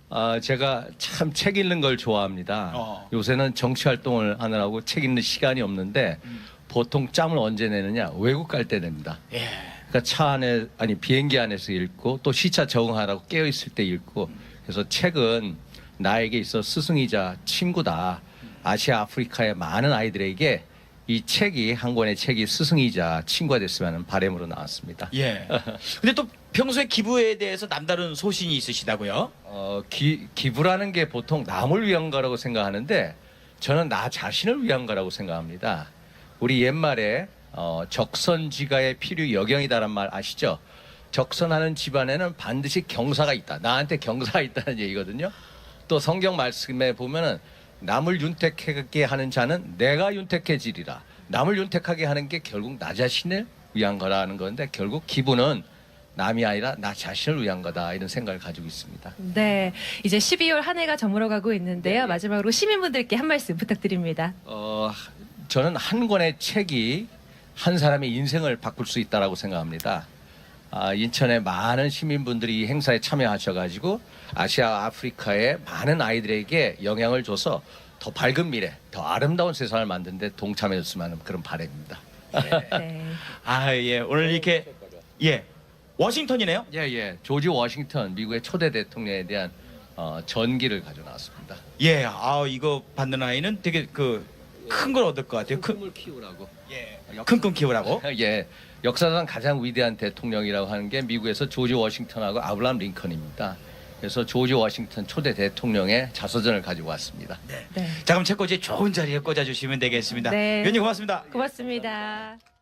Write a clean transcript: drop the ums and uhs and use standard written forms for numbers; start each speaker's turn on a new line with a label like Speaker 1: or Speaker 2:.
Speaker 1: 제가 참 책 읽는 걸 좋아합니다. 요새는 정치 활동을 하느라고 책 읽는 시간이 없는데 보통 짬을 언제 내느냐? 외국 갈 때 냅니다.
Speaker 2: 예.
Speaker 1: 그러니까 차 안에 비행기 안에서 읽고 또 시차 적응하라고 깨어 있을 때 읽고 그래서 책은 나에게 있어 스승이자 친구다. 아시아 아프리카의 많은 아이들에게 이 책이 한 권의 책이 스승이자 친구가 됐으면 하는 바람으로 나왔습니다.
Speaker 2: 예. 근데 또 평소에 기부에 대해서 남다른 소신이 있으시다고요?
Speaker 1: 기부라는 게 보통 남을 위한 거라고 생각하는데 저는 나 자신을 위한 거라고 생각합니다. 우리 옛말에 적선지가의 필요 여경이다란 말 아시죠? 적선하는 집안에는 반드시 경사가 있다. 나한테 경사가 있다는 얘기거든요. 또 성경 말씀에 보면은 남을 윤택하게 하는 자는 내가 윤택해지리라. 남을 윤택하게 하는 게 결국 나 자신을 위한 거라는 건데 결국 기부는 남이 아니라 나 자신을 위한 거다 이런 생각을 가지고 있습니다.
Speaker 3: 네, 이제 12월 한 해가 저물어가고 있는데요. 마지막으로 시민분들께 한 말씀 부탁드립니다.
Speaker 1: 저는 한 권의 책이 한 사람의 인생을 바꿀 수 있다라고 생각합니다. 인천의 많은 시민분들이 이 행사에 참여하셔가지고 아시아 아프리카의 많은 아이들에게 영향을 줘서 더 밝은 미래, 더 아름다운 세상을 만드는 데 동참해줬으면 하는 그런 바람입니다.
Speaker 3: 네.
Speaker 2: 예. 오늘 이렇게 예. 워싱턴이네요.
Speaker 1: 예. 조지 워싱턴 미국의 초대 대통령에 대한 전기를 가져 나왔습니다.
Speaker 2: 예. 이거 받는 아이는 되게 큰 걸 얻을 것 같아요.
Speaker 1: 꿈을 키우라고.
Speaker 2: 예. 큰 꿈 키우라고.
Speaker 1: 예. 역사상 가장 위대한 대통령이라고 하는 게 미국에서 조지 워싱턴하고 아브라함 링컨입니다. 그래서 조지 워싱턴 초대 대통령의 자서전을 가지고 왔습니다.
Speaker 3: 네.
Speaker 2: 자, 그럼 책꽂이 좋은 자리에 꽂아주시면 되겠습니다.
Speaker 3: 네.
Speaker 2: 위원님 고맙습니다.
Speaker 3: 고맙습니다.